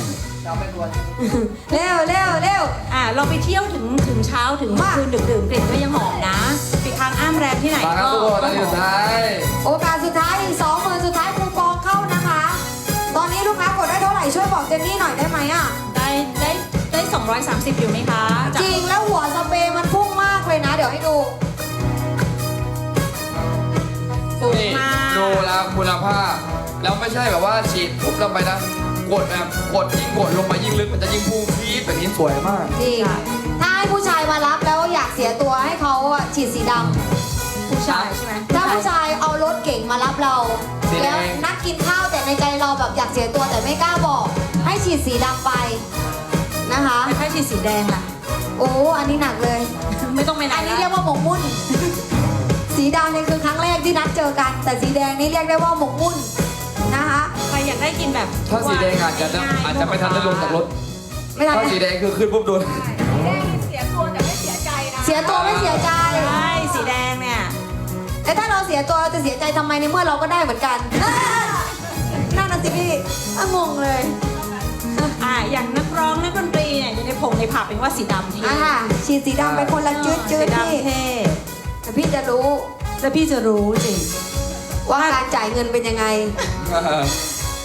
เร็วเร็วเร็ว
อ่าเราไปเที่ยวถึงถึงเช้าถึง
มา
คืนดึกดื่มกลิ่นก็ยังหอมนะไปค้างอ้ามแรมที่ไหน
มาครับ
ก็
ทุกคน
ก็
อันนี้
หอ
สุ
ม
ดท้าย
โอกาสสุดท้ายอีกสองหมื่นสุดท้ายคูปองเข้านะคะ ตอนนี้ลูกค้ากดได้เท่าไหร่ช่วยบอกเจนนี่หน่อยได้ไหมอ่ะ
ได้ได้ได้สองร้อยสามสิบอยู่ไหมคะจาก
จริงแล้วหัวสเปรย์มันพุ่งมากเลยนะ เดี๋ยวให้ดู
สูง
นี่
มาก
ดูแล้วคุณภาพ แล้วไม่ใช่แบบว่าฉีดปุ๊บลงไปนะ กดแบบกดยิ่งกดลงไปยิ่งลึกมันจะยิ่งพุ่งพีดแบบนี้สวยมาก
จริง ถ้าให้ผู้ชายมารับแล้วอยากเสียตัวให้เขาอะฉีดสีดำ
ผู้ชายใช่ไหม
ถ้าผู้ชายเอารถเก่งมารับเรา
สีแดง
แล้วนัดกินข้าวแต่ในใจเราแบบอยากเสียตัวแต่ไม่กล้าบอก ให้ฉีดสีดำไปนะคะ
ไม่ค่อยฉีดสีแดงล่ะ
โอ้อันนี้หนักเลย
ไม่ต้องไปไหน
อันนี้
ละ
เรียกว่าหมกมุ่น สีดำเนี่ยคือครั้งแรกที่นัดเจอกัน แต่สีแดงนี่เรียกได้ว่าหมกมุ่นนะคะ
ใครอยากได้กินแบบ
ถ้าสีแดงอาจจะอาจจะไม่ทันได้ลงจากรถ
ไม่ทัน
ถ้าสีแดงคือขึ้นปุ๊บโดน
เสียตัวไม่เสียใจ
ใช่สีแดงเนี่ย
แต่ถ้าเราเสียตัวเราจะเสียใจทำไมในเมื่อเราก็ได้เหมือนกันนั่นน่ะสิพี่อ่ะงงเลย
อ่าอย่างนักร้องนักดนตรีเนี่ยอยู่ในผงในผับเป็นว่าสีดำที่
อ่ะค่ะฉีดสีดำไปคนละจืดจืด
สี
พี่
ดำเท่
แต่พี่จะรู้
แล้วพี่จะรู้จริง
ว่าการจ่ายเงินเป็นยังไง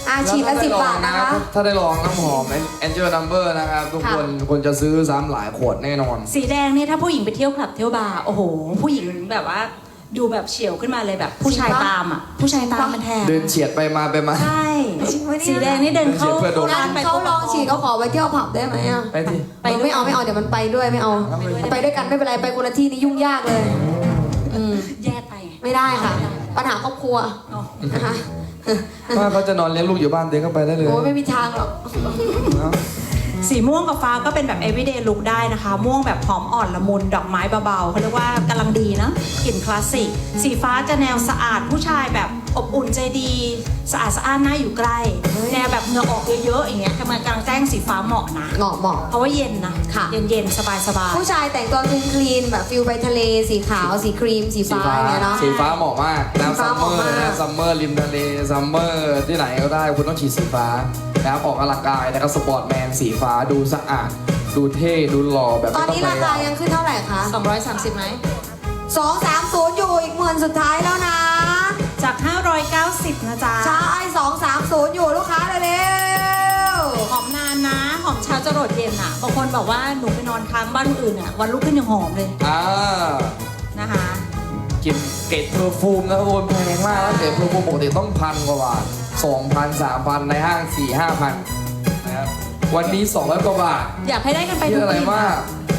อ่ะฉีดละสิบบาทนะคะ
ถ้าได้ลองน้ำหอม Angel Number นะครับ ทุกคนคนจะซื้อซ้ำหลายขวดแน่นอน
สีแดงนี่ถ้าผู้หญิงไปเที่ยวคลับเที่ยวบาร์โอ้โห ผู้หญิงแบบว่าดูแบบเฉียวขึ้นมาเลยแบบผู้ชายตามอ่ะผู้ชายตามมันแทน
เดินเฉียดไปมาไปมา
ใช่
จริงปะเนี่ย
สีแดงนี่เดินเข้า
เดินเฉียดเพื่อโดน
ร้านไป
เขาลองฉีดเขาขอไปเที่ยวผับได้ไหมอ่ะ
ไปที่
ไป
เออไม่เอาไม่เอาเดี๋ยวมันไปด้วยไม่เอาไปด้วยกันไม่เป็นไรไปคนละที่นี่ยุ่งยากเลยอืม
แยกไปไง
ไม่ได้ค่ะ ปัญหาครอบครัว
อ๋อ
นะคะ
ถ้าเขาจะนอนเลี้ยงลูกอยู่บ้านเดินเข้าไปได้เลย
โอ้ยไม่มีทางหรอก
เนอะ
สีม่วงกับฟ้าก็เป็นแบบ everyday look ได้นะคะ ม่วงแบบหอมอ่อนละมุนดอกไม้เบาๆเขาเรียกว่ากำลังดีนะกลิ่นคลาสสิกสีฟ้าจะแนวสะอาดผู้ชายแบบอบอุ่นใจดี สะอาดสะอ้านน่าอยู่ใกล้แนวแบบเหงื่อออกเยอะๆอย่างเงี้ยทำไมกลางแจ้งสีฟ้าเหมาะนะ
เหมาะเหมาะ
เพราะว่าเย็นนะ
ค่ะ
เย็นๆ สบาย
ผู้ชายแต่งตัวคลีนคลีนแบบฟิลไปทะเลสีขาวสีครีมสี
สี
ฟ้า
ฟ้า
อย่างเงี้ยเนาะ
สีฟ้าเหมาะมากน้ำ
สีฟ้า
ซัม
เห
เมอ
มาะ
ร์
มาก
นะซัมเมอร์ริมทะเลซัมเมอร์ที่ไหนก็ได้คุณต้องฉีดสีฟ้านะครับออกกำลังกายนะครับสปอร์ตแมนสีฟ้าดูสะอาด ดูเท่ดูหล่อแบบ
ตอน
ไม่
นี้
ต้อง
รา
พยายาม
คายังขึ้นเท่าไหร่คะ
ๆ สองร้อยสามสิบไหม
สองสามศูนย์อยู่อีกหมื่นสุดท้ายแล้วนะ
จาก ห้าร้อยเก้าสิบ นะจ๊ะ
ใช่สองสามศูนย์อยู่ลูกค้าเร็ว
หอมนานนะ หอมเช้าจะโรดเย็นอ่ะ บางคนบอกว่าหนูไปนอนค้างบ้านคนอื่นอ่ะ วันรุ่งขึ้นยังหอมเลย
อ่า
นะคะ
กลิ่นเกรดเพอร์ฟูมนะครับคนแพงมากนะเกรดเพอร์ฟูมปกติต้องพันกว่าบาทสองพันสามพันในห้างสี่ห้าพันนะครับวันนี้สองร้อยกว่าบาท
อยากให้ได้กันไป
เย
ทุ
อะ
ก
อะไร
ปี
มาก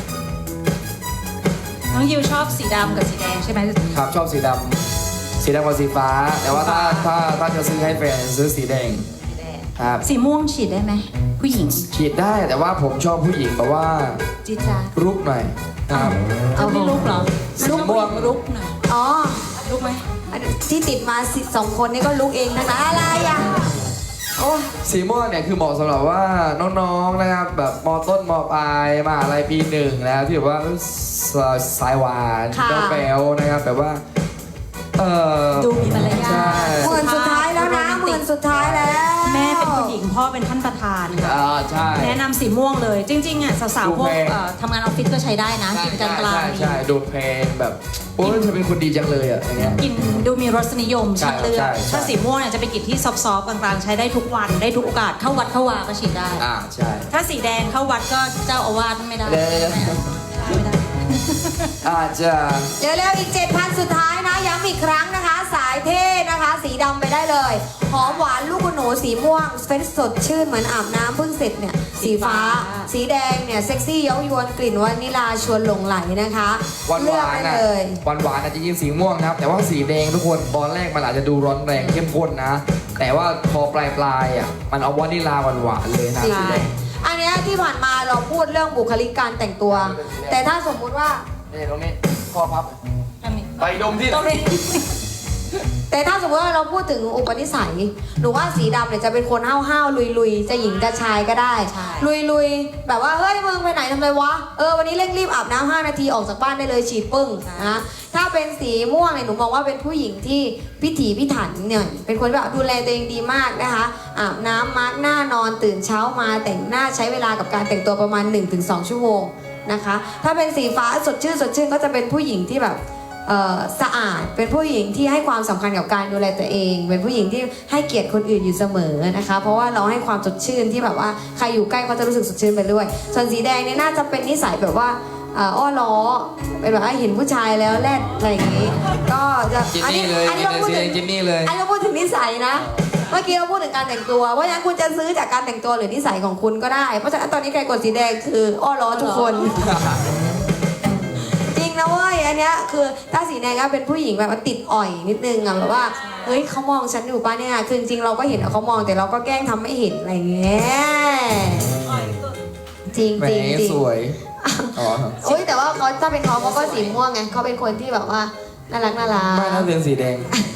น้องยิวชอบสีดำกับสีแดงใช่ไหม
ครับชอบสีดำสีดำกับสีฟ้า แต่ว่าถ้าถ้าถ้าจะซื้อให้แฟนซื้อสีแดง
สีแดง
ครับ
สีม่วงฉีดได้ไหม ผู้หญิง
ฉีดได้แต่ว่าผมชอบผู้หญิงแบบว่า
จีจ้า
รุกหน่อยครับ
เอาไม่ลุกเหรอ
สีม่วง
ลุกหน่อย
ๆอ๋อ
ลุกไหม
อันที่ติดมาสิสองคนนี้ก็ลุกเองนะนะอะไรอ่ะโอ้ย
สีม่วงเนี่ยคือเหมาะสำหรับว่าน้องๆนะครับแบบมต้นมปลายมหาลัยปีหนึ่งนะครับที่แบบว่าสสายหวานเจ้าแป๋วนะครับแบบว่าเออ
ดูมีมารยา
ใช่
ท
หมื่นสุดท้ายแล้วนะหมื่นสุดท้ายแล้ว
แม่เป็นผู้หญิงพ่อเป็นท่านประธานค่ะ
อ่าใช่
แนะนำสีม่วงเลย จริงๆอ่ะสาวๆพวก
ดูแพง
เอ่อทำงานออฟฟิศก็ใช้ได้นะ
ใช่
กินกลางกลาง
ใช่ใช่ดูเพลงแบบโอ้ยเธอเป็นคนดีจังเลยอ่ะอย่างเงี้ย
กินดูมีรสนิยม
ใช่
ชัดเลือ
ใช่
ก
ใช่
ถ้าสีม่วงเนี่ยจะไปกินที่ซอฟต์ๆกลางๆใช้ได้ทุกวันได้ทุกโอกาสเข้าวัดเข้าวาก็ฉีดได้
อ่าใช่
ถ้าสีแดงเข้าวัดก็เจ้าอาวาสไม่ได้
เดี๋ยวเดี๋ยว
ไม่ได้
อาจจะ
เร็วๆอีก เจ็ดพัน สุดท้ายนะย้ำอีกครั้งนะคะ สายเท่นะคะ สีดำไปได้เลย หอมหวานลูกคุณหนูสีม่วงเฟรชสดชื่นเหมือนอาบน้ำเพิ่งเสร็จเนี่ยสีฟ้า สีแดงเนี่ยเซ็กซี่เย้ายวนกลิ่นวานิลาชวนหลงไหลนะคะ
หวานห
เลือก
วาน
ได้
อ่ะ
เลย
หวานหวานอาจจะยิงสีม่วงนะครับ แต่ว่าสีแดงทุกคนตอนแรกมันอาจจะดูร้อนแรงเข้มข้นนะ แต่ว่าพอปลายปลายๆอ่ะมันเอาวานิลาหวานหวานๆเลยนะ
จริง
สีแดง
อันเนี้ยที่ผ่านมาเราพูดเรื่องบุคลิกการแต่งตัว แต่ถ้าสมมุติว่า
นี่ตรงนี้ข้อพับ
อันนี้
ไปดมที่
ตรงนี้
แต่ถ้าสมมติว่าเราพูดถึงอุปนิสัยหนูว่าสีดำเนี่ยจะเป็นคนห้าวห้าวลุยลุยๆ จะหญิงจะชายก็ได้
ใช่
ลุยลุยๆ แบบว่าเฮ้ยมึงไปไหนทำไรวะ เออวันนี้เร่งรีบอาบน้ำห้านาทีออกจากบ้านได้เลยฉีดปึ้งนะถ้าเป็นสีม่วงเนี่ยหนูมองว่าเป็นผู้หญิงที่พิถีพิถันเนี่ยเป็นคนแบบดูแลตัวเองดีมากนะคะอาบน้ำมาร์กหน้านอนตื่นเช้ามาแต่งหน้าใช้เวลากับการแต่งตัวประมาณ หนึ่งถึงสอง ชั่วโมงนะคะ ถ้าเป็นสีฟ้าสดชื่นสดชื่นก็จะเป็นผู้หญิงที่แบบเอ่อสะอาดเป็นผู้หญิงที่ให้ความสำคัญกับการดูแลตัวเอง เป็นผู้หญิงที่ให้เกียรติคนอื่นอยู่เสมอนะคะ เพราะว่าเราให้ความสดชื่นที่แบบว่าใครอยู่ใกล้ก็จะรู้สึกสดชื่นไปด้วย ส่วนสีแดงเนี่ยน่าจะเป็นนิสัยแบบว่าเอ่ออ้อล้อเป็นแบบว่าเห็นผู้ชายแล้วแลดอะไรอย่างนี้ ก็จะ
จิน
อัน
นี่
นี้
เลย
อันนี้เราพูด
สีแด
ถึ
ง
ง
จินนี่เลย
อันนี้เราพูดถึงนิสัยนะ เมื่อกี้เราพูดถึงการแต่งตัวเพราะฉะนั้นคุณจะซื้อจากการแต่งตัวหรือนิสัยของคุณก็ได้เพราะฉะนั้นตอนนี้ใครกดสีแดงคืออ้อล้อทุกคน จริงนะเว้ยอันเนี้ยคือถ้าสีแดงก็เป็นผู้หญิงแบบว่าติดอ่อยนิดนึงอะแบบว่าเฮ้ยเขามองฉันอยู่ป่ะเนี่ยคือจริงๆเราก็เห็นว่าเขามองแต่เราก็แกล้งทำไม่เห็นอะไรอย่างเงี้ยจริง
แหม
จริงจริง
สวยอ๋อ
โอ้ยแต่ว่าเขาถ้าเป็นเขาเขาก็สีม่วงไงเขาเป็นคนที่แบบว่าน่ารักน่ารัก
ไม่น่าเป็นสีแดง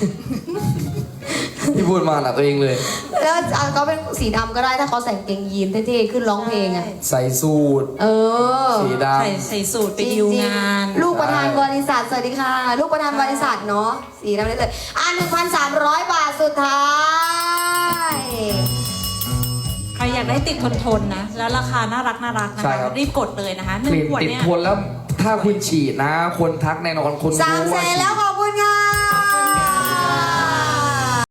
ที่พูดมาหนักตัวเองเลย
แล้วเขาเป็นสีดำก็ได้ถ้าเขาใส่กางเกงยีนเท่ๆขึ้นร้องเพลงอะ
ใส่สูท
เออ
สีด
ใส่ใส่สูตรไปดิวงาน
ลูกประธานบริษัทสวัสดีค่ะ ลูกประธานบริษัทเนาะสีดำได้เลยอ่ะหนึ่งพันสามร้อยบาทสุดท้าย
ใครอยากได้ติดทนทนๆนะ แล้วราคาน่ารักน่ารักนะ
ใช่
คะ
ครับ
รีบกดเลยนะคะห
ำ
นึ่
ก
ง
ลิ่น
ขวด
ติด
เนี่ย
ทนแล้วถ้าคุณฉีดนะ คนทักแน่นอนคน
สาม
รู้
แส
ว่าน ฉีด
แล้วข